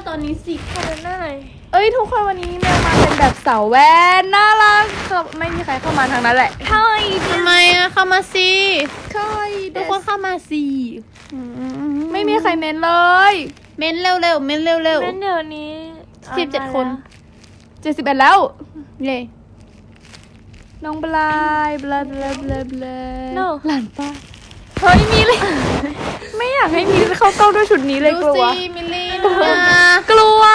ตอนนี้สิขอเดินหน้าหน่อยเอ้ยทุกคนวันนี้แมวมาเป็นแบบสาวแว่นน่ารักไม่มีใครเข้ามาทางนั้นแหละเฮ้ยทำไมอะเข้ามาสิใช่ทุกคนเข้ามาสิไม่มีใครเม้นเลยเม้นเร็วๆเม้นเร็วเล่นเดี๋ยวนี้ 17 คน 71แล้วเย่น้องบลายบลาบลาบลาบลาโน่หลานป้าเฮ้ยมีเลย ไม่อยากให้มีเข้ากล้องด้วยชุดนี้เลยกลัวสิมิลลี่กลัว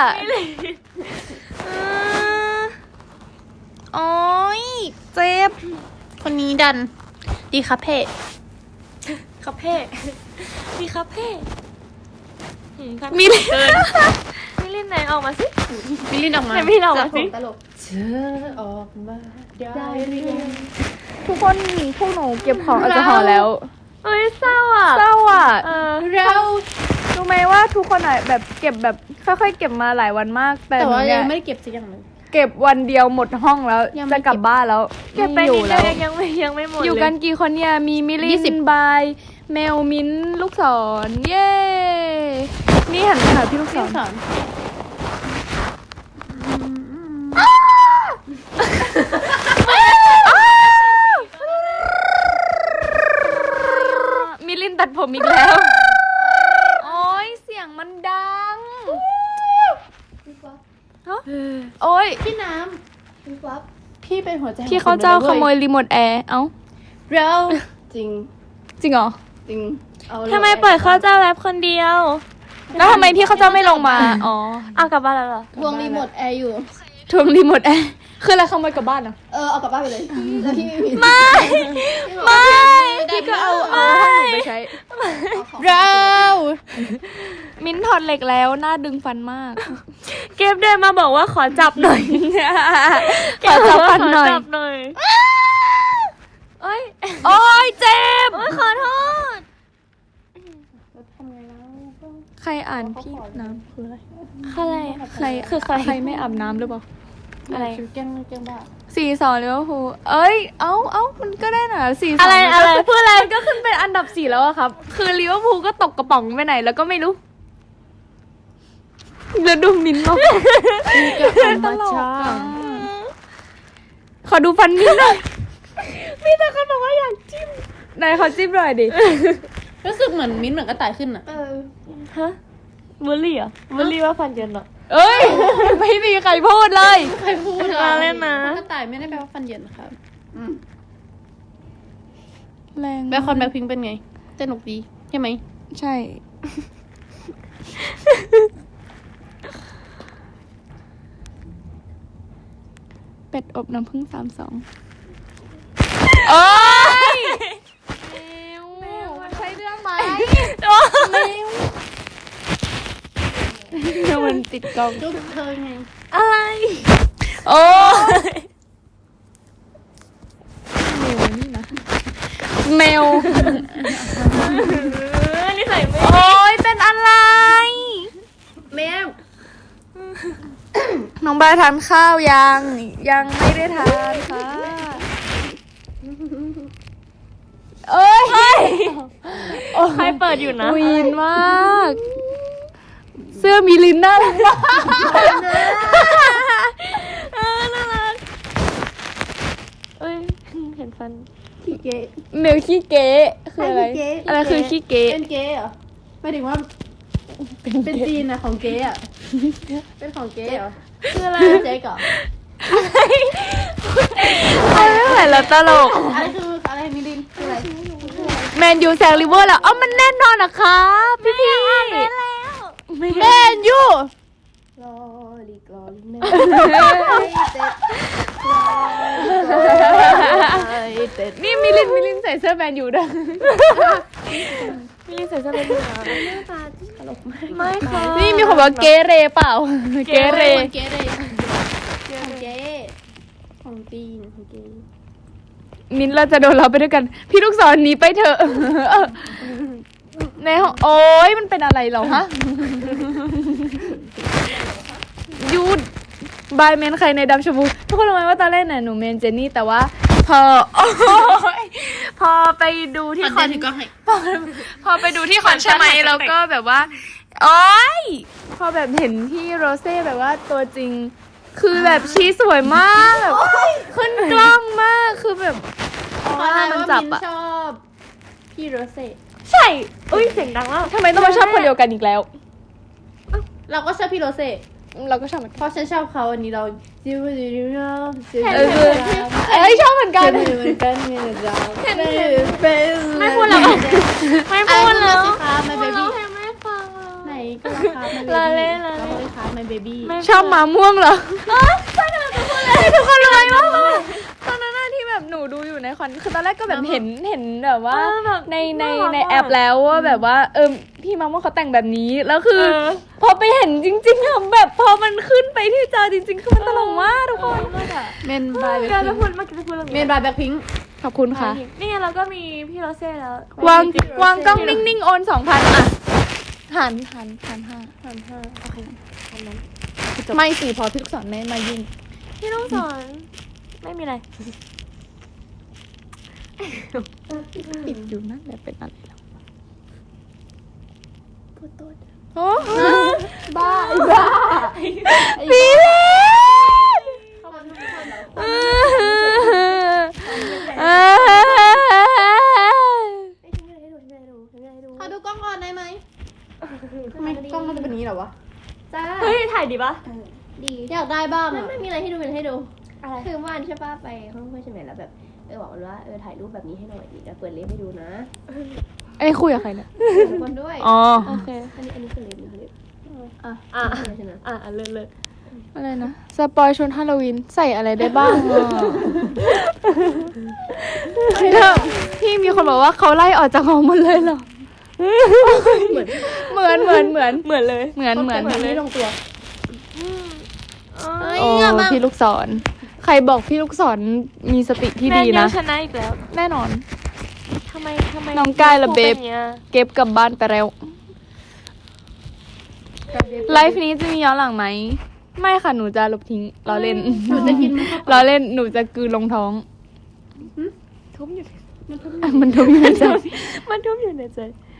โอ้ยเจ็บคนนี้ดัน ดีครับเพ่คาเฟ่มีคาเฟ่มีเลยเกินไม่เล่นไหนออกมาสิมิลลี่ออกมาไหนมิลลี่ออกมาสิตลกเธอออกมาได้หรือยังทุกคนพวกหนูเก็บของแอลกอฮอล์แล้วเอ้ยเศร้าอ่ะเศร้าอ่ะเรารู้ไหมว่าทุกคนอ่ะแบบเก็บแบบค่อยๆเก็บมาหลายวันมาก แต่แต่ว่าหนูเนี่ยัยงไม่ได้เก็บสักอย่างเลยเก็บวันเดียวหมดห้องแล้วยังไม่จะกลับบ้านแล้วเก็บไปม่อนิยู่ดเดีแล้ยว วยังไม่หมดอยู่กันกี่คนเนี่ยมีมิลินบายเมลมิ้นลูกศรเย้นี่หันไปหาพี่ลูกศพี่รสอนมิลินตัดผมอีกแล้ว โอ้ยเสียงมันดังฮะโอ้ยพี่น้ำพี่เป็นหัวใจของพี่เขาเจ้าขโมยคนรีโมทแอร์เอ้าเราจริงจริงเหรอจริงเอาเลยทำไมปล่อยเข้าเจ้าแรปคนเดียวแล้วทำไมพี่เขาเจ้าไม่ลงมาอ๋อเอากลับบ้านแล้วเหรอทวงรีโมทแอร์อยู่ทวงรีโมทแอร์คืออะไรขโมยกลับบ้านเหรอเอากลับบ้านไปเลยแล้วพี่ไม่มีไม่ไม่พี่ก็เอาห้องหนูไปใช้เรามิ้นถอดเหล็กแล้วหน้าดึงฟันมากเก็บเดินมาบอกว่าขอจับหน่อยขอจับฟันหน่อยขจับหน่อยเอ้ยโอ้ยเจ็บโอ้ยขอโทษทำไงแล้วใครอ่านพี่น้ำคืออะไรอะไรใครคือใครไม่อาบน้ำหรือเปล่าอะไรแกล้งบ้า 4-2ลิเวอร์พูลเอ้ยเอ้ามันก็ได้นะ4-2 อะไรพูดอะไรก็ขึ้นเป็นอันดับ4แล้วอะครับ คือลิเวอร์พูลก็ตกกระป๋องไปไหนแล้วก็ไม่รู้แล้วดูมินเนาะธรรมชาติขอดูฟันมิ้นหน่อยมีแต่คนบอกว่าอยากจิ้มไหนขอจิ้มหน่อยดิรู้สึกเหมือนมิ้นท์เหมือนกระต่ายขึ้นอ่ะฮะบูลลี่เหรอบูลลี่ว่าฟันเย็นเหรอเอ้ย ไม่มีใครพูดเลยใครพูดมาเล่นนะกระต่ายไม่ได้แปลว่าฟันเหยินครับแรงแบ็คคอนแบ็คพิงเป็นไงสนุกดีใช่ไหมใช่ เป็ดอบน้ำผึ้ง32โอ้ยแมวมันใช่เรื่องไหมแมวมันติดกล้องจุ๊บเธอไงอะไรโอ้แมวนี่นะแมวนี่ใส่ไม่โอ้ยเป็นอะไรแมวน้องบายทานข้าวยังไม่ได้ทานค่ะเอ้ยใครเปิดอยู่นะวีนมาก เสื้อมีลินน่ารักมากน่ารักเอ้ยเห็นฟันขี้เก๊เมลขี้เก๋คืออะไรขี้เก๋อะไรคือขี้เก๋เป็นเก๊เหรอหมายถึงว่าเป็นจีนนะของเก๊อะเป็นของเก๊เหรอคืออะไรเจ๊ก่อนไม่ไหวแล้วตลกอะไรคืออะไรมิลินคืออะไรแมนยูแซงลิเวอร์แล้วเอ้ามันแน่นอนนะคะพี่พี่แมนยูลอลิกลอลิแมนเต็ดนี่มิลินใส่เสื้อแมนยูด้วยพี่ใส่เสื้อเป็นหนาไม่ค่ะนี่มีคนบอกเกเรเปล่า เกเรเก๊เลยของเก๊ของจีนของเก๊มิ้นท์เราจะโดนเราไปด้วยกัน พี่ลูกศรหนีไปเถอะ ในห้องโอ๊ยมันเป็นอะไรเหรอฮะหยุดบายเมนใครในดำชมพูทุกคนรู้ไหมว่าตอนแรกน่ะหนูเมนเจนนี่แต่ว่าพอโอ๊ยพอไปดูที่คอนก็ให้พอไปดูที่คอนใช่ไหมแล้วก็แบบว่าโอ๊ยพอแบบเห็นพี่โรเซ่แบบว่าตัวจริง คือแบบชี้สวยมากแบบขึ้นกล้องมากคือแบบขอว่าทายมันว่าจับมินอะชอบพี่โรเซ่ใช่อุ้ยเสียงดังมากทำไมต้องมาชอบคนเดียวกันอีกแล้วเราก็ชอบพี่โรเซ่เราก็ชอบเหมือนเพกันราะฉันชอบเขาอันนี้เราจิ้วจิ้วจิ้วจิ้วเอ้ยชอบเหมือนกันเหมือนกันมีนะจ๊ะเป็นไม่พูดแล้วไม่พูดแล้วสิคะmy พูด baby แล้วให้ไม่ฟังไหนก็ราคา my baby ลาเล่นเราเลยค่ะ my baby ชอบหมาม่วงเหรอใช่ทุกคนเลยมากตอนนั้นที่แบบหนูดูอยู่ในคอนคือตอนแรกก็แบบเห็นแบบว่าในแอปแล้วว่าแบบว่าพี่มะม่วงเขาแต่งแบบนี้แล้วคือ พอไปเห็นจริงๆอะแบบพอมันขึ้นไปที่จอจริงๆคือมันตลกมากทุกคนเมนบายการจะพูดเมื่อกี้จะพูดเรื่องเมนบายแบ็คพิงค์ขอบคุณค่ะนี่ไงเราก็มีพี่โรเซ่แล้ววางกล้องนิ่งๆโอน 2,000 อ่ะหัน5โอเคไม่สิพอพี่ลูกศรไม่มายุ่งพี่ต้องสอนไม่มีอะไรปิดอยู่นั่นแหละเป็นอะไรแล้วพูดตัวโอ้บ้าปีเล่นขอดูกล้องก่อนได้ไหมทำไมกล้องมันจะเป็นอย่างนี้เหรอวะจ้าเฮ้ยถ่ายดีปะดีอยากได้บ้างไม่อะไม่มีอะไรให้ดูเป็นให้ดูอะไรคือเมื่อวานใช่ป่ะไปห้องเพื่อนใช่ไหมแล้วแบบบอกมันว่าถ่ายรูปแบบนี้ให้หน่อยดิจะเปิดเล็บให้ดูนะไอ้คุยกับใครเนี่ยทุกคนด้วยอ๋อโอเคอันนี้คือเล็บนี่คือเล็บอ่ะใช่ไหมเลิศอะไรนะสปอยชุดฮาโลวีนใส่อะไรได้บ้างพี่มีคนบอกว่าเขาไล่ออกจากหอหมดเลยเหรอเหมือนเหมือนเลยเหมือนไม่ลงตัวโอ้พี่ลูกศรใครบอกพี่ลูกศรมีสติที่ดีนะชนะอีกแล้วแน่นอนทำไมน้องกายละเบบป็นอย่างงี้ยเก็บกลับบ้านไปแล้วไลฟ์นี้จะมีย้อนหลังไหมไม่ค่ะหนูจะลบทิ้งล้อเล่นหนูจะกินมันเข้าไปล้อเล่นหนูจะกลืนลงท้องทุบอยู่มันทุกอย่างมันทุบอยู่ในใจ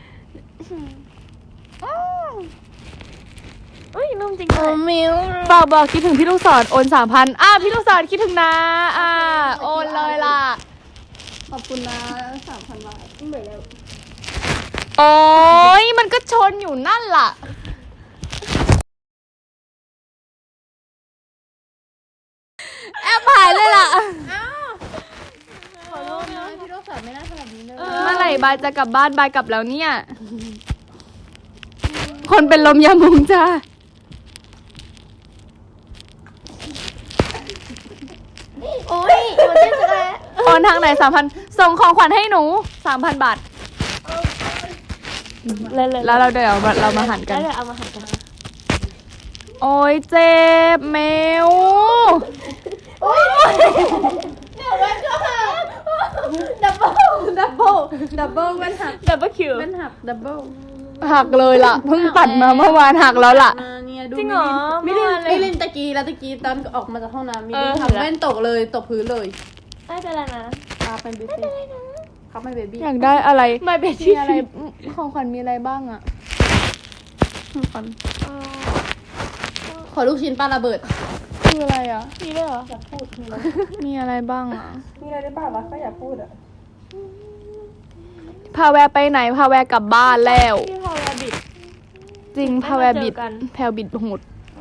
เอ้ยนุ่มจริงเลยมิวฝากบอกคิดถึงพี่ลูกศรโอน 3,000พี่ลูกศรคิดถึงนะโอนเลยล่ะขอบคุณนะ3,000 บาทเหมือนแล้วโอ้ยมันก็ชนอยู่นั่นล่ะแอบหายเลยล่ะขอโทษนะพี่โรสไม่น่าทำแบบนี้เลยเมื่อไหร่บายจะกลับบ้านบายกลับแล้วเนี่ย คนเป็นลมยามุงจ้าโอ้ยมันเจ็บจะได้โอนทางไหน 3,000 ส่งของขวัญให้หนู 3,000 บาทเลิศแล้วเราเดี๋ยวเรามาหันกันแล้วเดี๋ยวเอามาหันกันโอ้ยเจ็บเมวดับเบิลมันหักดับเบิลคิวมันหักดับเบิลหักเลยล่ะ เพิ่งตัดมาเมื่อวานหักแล้วล่ะเนี่ยดูจริงเหรอมิลินตะกี้แล้วตะกี้ตอนออกมาจากห้องน้ำมิลินทำแว่นตกเลยตกพื้นเลยไม่เป็นไรนะครับเป็นเบบี้ครับไม่เบบี้อยากได้อะไรไม่เป็นมีอะไรของขวัญมีอะไรบ้างอะของขวัญขอลูกชิ้นปลาระเบิดคืออะไรอะมีด้วยเหรอมีอะไรบ้างอะมีอะไรได้บ้างวะก็อยากพูดอ่ะพาแวร์ไปไหนพาแวร์กลับบ้านแล้วพี่พอลาบิดจริงพาแวร์บิดไม่มาเจอกันแพลวบิดโหด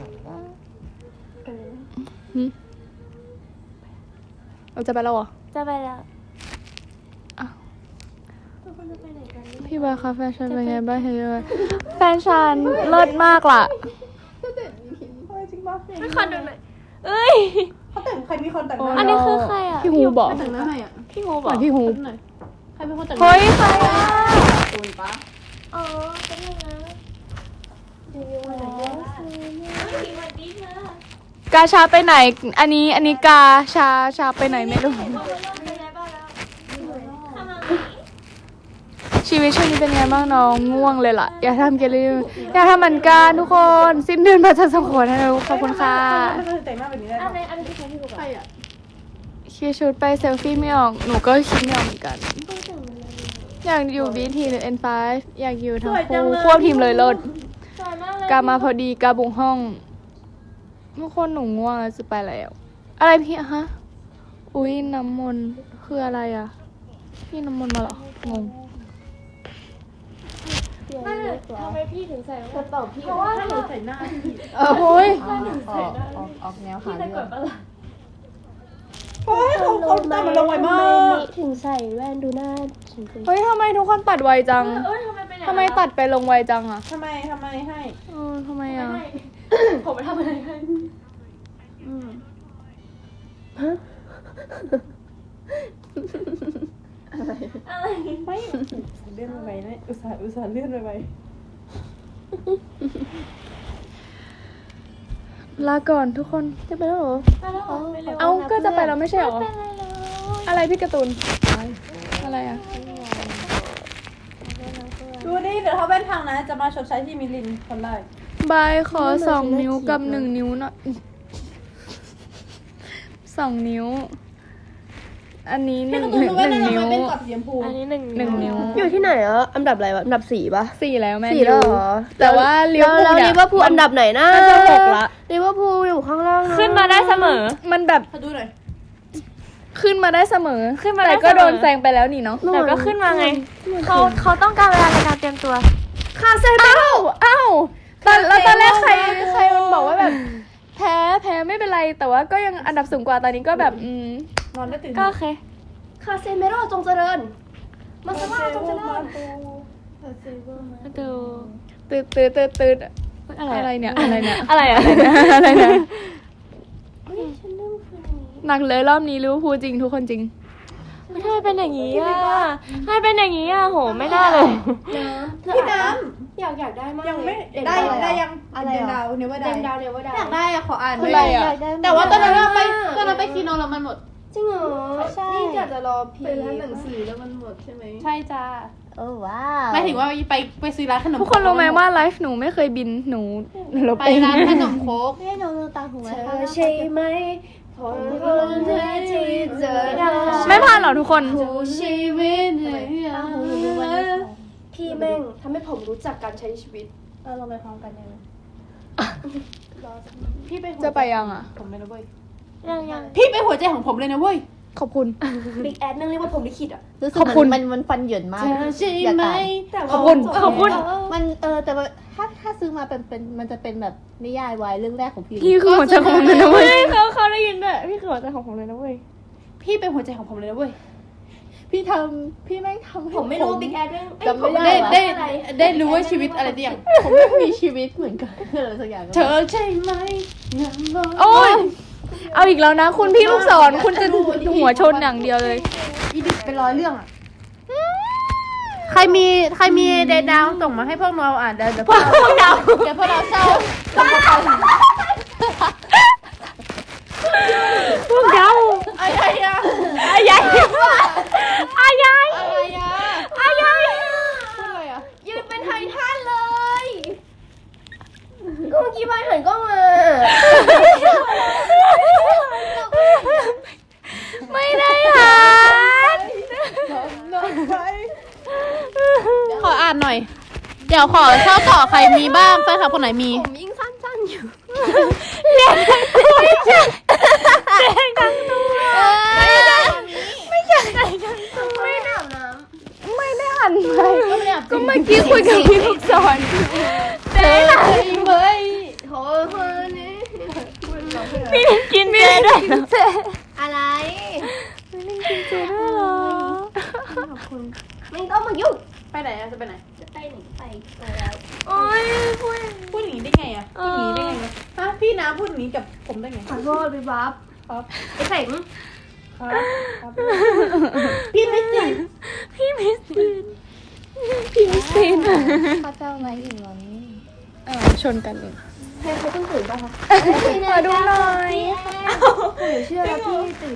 เราจะไปแล้วเหรอจะไปแล้วอ้าวทุกคนจะไปไหนกันพี่บายคะแฟชั่นเป็นไงบ้างเฮ้ยแฟชั่นเลิศมากล่ะจริงป่ะไม่ขอดูหน่อยเอ้ยเขาแต่งใครมีคนแต่งหโอ้น้าอันนี้คือใครอ่ะพี่ฮูบอกใครแต่งหน้าให้อ่ะพี่ฮูบเหมืออก นพี่ฮูหน่อยใครเป็นคนแต่งหน้าเฮ้ยใครอะคุณปะอ๋อเป็นยังไงอยู่วันไหนเนี่ยสวัสดีค่ะกาชาไปไหน อันนี้กาชาไปไหนไม่รู้เป็นไงบ้างแล้วทำอะไรชีวิตช่วงนี้เป็นไงบ้างน้องง่วงเลยล่ะ อย่าทำเกลีอย่าทำเหมือนกันทุกคนสิ้นเดือนมาจะส่งขวัญให้เราขอบคุณค่ะไม่เคยแต่งหน้าแบบนี้ได้อันนี้คือใครที่ฮูบใครอ่ะคิดชุดไปเซลฟี่ไม่ออกหนูก็คิดไม่ออกเหมือนกัน อยากอยู่ BT หรือ N5 อยากอยู่ทั้งคู่ควบทีมเลยลดใช่กามาพอดีกาบุงห้องทุกคนหนูง่วงแล้วจะไปแล้ว อะไรพี่ฮะ อุ้ยน้ำมนต์คืออะไรอ่ะ พี่น้ำมนต์มาเหรอ งงทำไมพี่ถึงใส่กระเป๋าพี่เพราะว่าถ้าหนูใส่หน้าพี่โอ้ยออกแนวพี่หาจะเรื่กอดงปะล่ะโอ้ยเขาตามมันลงไวมากถึงใส่แว่นดูหน้าฉันสิเฮ้ยทำไมทุกคนตัดไวจังเอ้ยทำไมเป็นอย่างทำไมตัดไปลงไวจังอ่ะทำไมให้ทำไมอ่ะผมไปทำอะไรให้ อะไรไม่เลื่อนไปนะอุตส่าห์เลื่อนไปลาก่อนทุกคนจะไปแล้วเหรอไปแล้วเหรอไปเร็วเอ้าก็จะไปแล้วไม่ใช่หรอ อะไรพี่การ์ตูน อะไรอ่ะดูดิเดี๋ยวเขาเป็นทางนะจะมาชดใช้ที่มิลินคนแรกบายขอ2 นิ้วกับ 1 นิ้วหน่อย2 นิ้ว อันนี้หพี่นึ่งการ์ตูนรู้ไหมหนึ่งนะนิ้วทำไมเป็นกรอบสีชมพูอันนี้หนึ่ง 1 นิ้วอยู่ที่ไหนอ่ะอันดับอะไรวะอันดับ4ป่ะ 4 แล้วแม่ 4แล้วเหรอแต่ว่าลิเวอร์พูลแล้วเนี่ยลิเวอร์พูลอันดับไหนนะน่าจะ6ละลิเวอร์พูลอยู่ข้างล่างะขึ้นมาได้เสมอมันแบบเขาดูหน่อยขึ้นมาได้เสมอขึ้นมาได้แต่ก็เสมอโดนแซงไปแล้วนี่เนาะแต่ก็ขึ้นมาไง เขาต้องการเวลาในการเตรียมตัวคาเซเอ้าตอนแรกใครมันบอกว่าแบบแพ้ไม่เป็นไร แต่ว่าก็ยังอันดับสูงกว่าตอนนี้ก็แบบนอนได้ตื่นก็โอเคคาเซเมโร่จงเจริญมาซาร่าจงเจริญดูตืดอะไรเนี่ยอะไรเนี่ยอะไรอะอะไรเนี่ยฉันเริ่มคืนนี้หนักเลยรอบนี้ลิเวอร์พูลจริงทุกคนจริงไม่ทำไมเป็นอย่างนี้อ่ะทำไมเป็นอย่างนี้อ่ะโหไม่ได้เลยพี่น้อยากได้มากำยังไม่เด่นได้ดาวได้ยังอะไรเดนเหรอดาวเนี่ยว่าได้เด่นดาวเนี่ยว่าได้อยากได้อะขออ่านคืออะไรอะแต่ว่าตอนนั้นเราไปคีโนแล้วมันหมดจริงเหรอใช่นี่อยากจะรอพีเป็นร้านหนังสือแล้วมันหมดใช่ไหมใช่จ้าโอ้ว้าวหมายถึงว่าไปซื้อร้านขนมทุกคนรู้ไหมว่าไลฟ์หนูไม่เคยบินหนูลบไปเองร้านขนมโค้กให้น้องตาหูเธไว้อค่ะใช่ไหมพอคนเธอที่เจอได้ไม่ผ่านหรอทุกคนผู้ชีวิตพี่แม่งทำให้ผมรู้จักการใช้ชีวิตเราไปพร้อมกันได้ไหมพี่ไปหัวจะไปยังอ่ะผมเลยนะเว้ยยังพี่ไปหัวใจของผมเลยนะเว้ยขอบคุณบิ๊กแอดนั่งเรียกว่าผมลิขิตอ่ะรู้สึกขอบคุณมันฟันเหยินมากเธอใช่อยากไหมอ่านแต่ว่าขอบคุณขอบคุณมันแต่ว่าถ้าซื้อมาเป็นมันจะเป็นแบบนิยายวายเรื่องแรกของพี่พี่คือหัวใจของมันนะเว้ยเขาได้ยินด้วยพี่คือหัวใจของผมเลยนะเว้ยพี่เป็นหัวใจของผมเลยนะเว้ยพี่แม่งทำให้ผมไม่รู้บิ๊กแอดเรื่องจำไม่ได้ได้รู้ว่าชีวิตอะไรที่อย่างผมไม่มีชีวิตเหมือนกันอะไรสักอย่างเธอใช่ไหมยังรอโอ้ยเอาอีกแล้วนะ คุณพี่ลูกศรคุณจะหัวชนอย่างเดียวเลยอีดิเป็นร้อยเรื่องอ่ะ ใครมีเดดาวส่งมาให้พวกเราอ่านเดี๋ยวพวกเราเศร้าพวกเราอะไรอะอายายอายายอะไรอะอายายยืนเป็นไททันเลยก็เมื่อกี้บายหันกล้องมาไม่ได้หันขออ่านหน่อย เดี๋ยวขอเข้าต่อใครมีบ้างแฟนคลับคนไหนมีผมยิ่งสั้นๆอยู่ไม่ได้หันไปก็เมื่อกี้คุยกับพี่ลูกศรเจ๊ล่ะโถคนนี้พี่กินเจด้วยเหรออะไรเจ๊ด้วยเหรอไม่ต้องมายุ่งไปไหนอะจะไปไหนจะไปไหนไปแล้วโอ้ยพูดพูดอย่างนี้ได้ไงอะพูดอย่างนี้ได้ไงวะฮะพี่น้ำพูดอย่างนี้กับผมได้ไงขอโทษพี่บ๊อบครับไอ้เสงครับพี่ไม่จริงพี่มิสตินพี่มิสตินข้าเจ้าไม้อิ่มวันนี้ชนกันใครเพิ่งตื่นป่ะคะมาดูหน่อยหนูเชื่อแล้วพี่ตื่น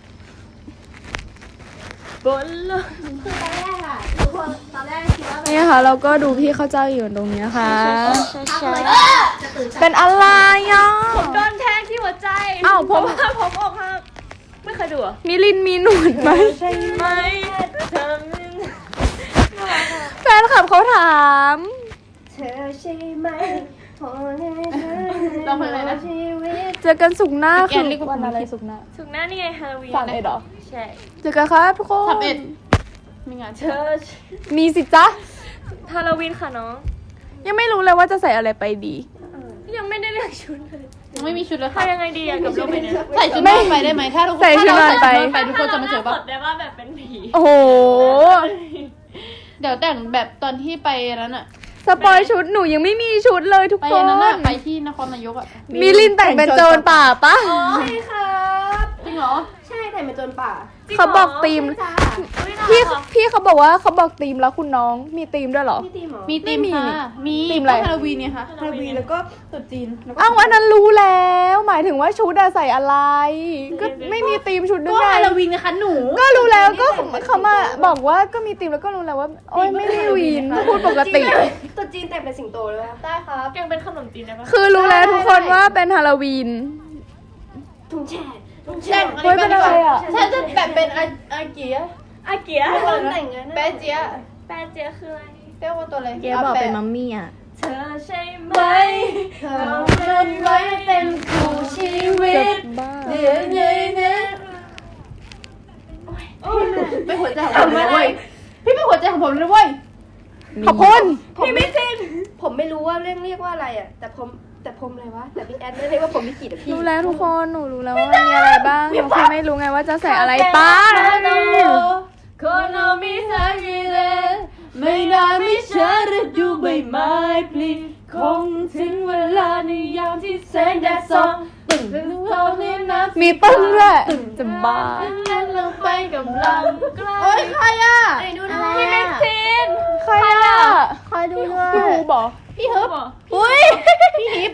บนเลยคือตอนแรกอะทุกคนตอนแรกคิดว่าแบบนี่ค่ะ เราก็ดูพี่เข้าเจ้าอยู่ตรงนี้นะคะทำเลยจะตื่นเป็นอะไรอ่ะผมโดนแทงที่หัวใจอ้าวผมว่าผมอกหักไม่เคยดูเหรอมิลินมีหนวดไหมไม่เธอแฟนคลับเขาถามเธอใช่ไหมเราเพลงอะไรนะเจอกันสุกร์หน้าแกคืนอเรียกว่าวันอะไรผมสุกร์หน้าสุกร์หน้านี่ไงฮาโลวีน 31เหรอใช่เจอกันครับทุกคน 31มีงานเชิญมีสิจ๊ะฮาโลวีนค่ะน้องยังไม่รู้เลยว่าจะใส่อะไรไปดียังไม่ได้เลือกชุดเลยยังไม่มีชุดเลยทำยังไงดีอะกับรูปนี้ใส่ชุดนอนไปได้ไหมถ้าทุกคนใส่ชุดนอนไปไปทุกคนจะมาเจอปะได้ว่าแบบเป็นผีโอ้โหเดี๋ยวแต่งแบบตอนที่ไปนั้นอะสปอยชุดหนูยังไม่มีชุดเลยทุกไปคนนั้นอะไปที่นครนายกอะมิลินแต่งเป็นโจรป่าปะใช่ครับจริงเหรอใช่แต่เป็นโจรป่าเขาบอกธีมจ้าพี่เขาบอกว่าเขาบอกธีมแล้วคุณน้องมีธีมด้วยเหรอพี่ตีหมอมีธีมไม่มีค่ะมีธีมอะไรก็ฮาโลวีนเนี่ยค่ะฮาโลวีนแล้วก็ตรุ๊จีนแล้วก็อ้าวอันนั้นรู้แล้ว หมายถึงว่าชุดอะใส่อะไร ก็ไม่มีธีมชุดด้ก็วยฮาโลวีนนะคะหนูก็รู้แล้วก็เขามาบอกว่าก็มีธีมแล้วก็รู้แล้วว่า โอ๊ยไม่ได้วีนพูดปกติตรุ๊จีนแต่งเป็นสิงโตเลยป่ะได้ครับแกงเป็นขนมจีนได้ปะคือรู้แล้วทุกคนว่าเป็นฮาโลวีนถุงแฉะถุงแต่แฉะงเฮ้ยเป็นอะไรอะฉันจะแบบเป็นอาเกียอาเกียตอนแต่งงานแปะเจียแปดเจียคืออะไรเรียกว่าตัวอะไรเจ๊บอกเป็นมัมมี่อ่ะเธอใช่ไหมเธอมันไว้เป็นคู่ชีวิตบ้าเดี๋ยวเย็นนะเป็นหัวใจของผมเลยเว้ยพี่เป็นหัวใจของผมเลยเว้ยขอบคุณพี่ไม่สิ้นผมไม่รู้ว่าเรียกว่าอะไรอ่ะ แต่ผมอะไรวะ แต่พี่แอนเรียกว่าผมไม่กี่แต่พี่รู้แล้วทุกคนหนูรู้แล้วว่ามีอะไรบ้างหนูแค่ไม่รู้ไงว่าจะใส่อะไรไปคนเรามีสักกี่เลไม่นานไม่ช้าฤดูใบไม้ผลิคงถึงเวลาในยามที่แสงแดดส่องตึงถึงเขาเรียนน้ำมีตึ้งด้วยจะบ้านั้นเราไปกับเราเฮ้ยใครอ่ะไอ้ดูนะพี่ไม่ซินใครอ่ะคอยดูด้วยพี่ฮูบอกพี่ฮึบอุ้ยพี่ฮิป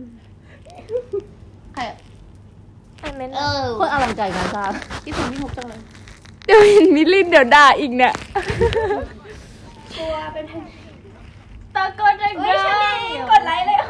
ใครอะไอเมนคนอลังใจงานสร้างคิดถึงพี่ฮุบจังเลยเดี๋ยวเห็นมิลลินเดี๋ยวด่าอีกเนี่ยตัวเป็นตะโกนดังเฮ้ยฉันเองกดไลค์เลย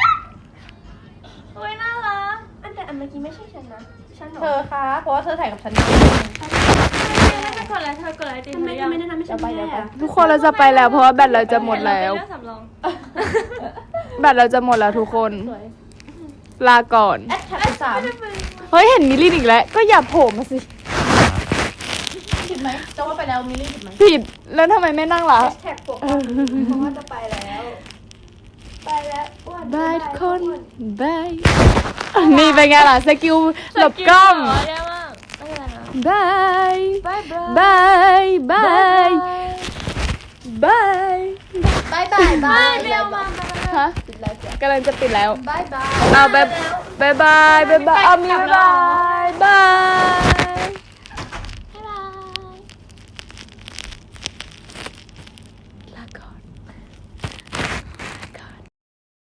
โอ้ยน่ารักอันเมื่อกี้ไม่ใช่ฉันนะฉันหรอเธอคะเพราะว่าเธอถ่ายกับฉันไม่ได้กดไลค์เธอกดไลค์จริงทำไมไม่ได้ทำให้ฉันแย่อะทุกคนเราจะไปแล้วเพราะว่าแบตเราจะหมดแล้วเรื่องสำรองแบตเราจะหมดแล้วทุกคนสวยลาก่อนแอดแท็กสามเฮ้ยเห็นมิลลินอีกแล้ว ก็อย่าโผล่มาสิผิดไหมจะว่าไปแล้วมิลลี่ผิดไหมผิด แล้วทำไมไม่นั่งล่ะแท็กปกเพราะว่าจะไปแล้ว ไปแล้วอ้วนบายทุกคน บาย นี่เป็นไงล่ะ สกิลหลบกล้องเยอะมากไม่เป็นไรนะบายบายบายบาย บาย บายบายบายบายเร็วมาฮะกำลังจะปิดแล้วบายบายเอาบายบายบายบายเอามีบายบาย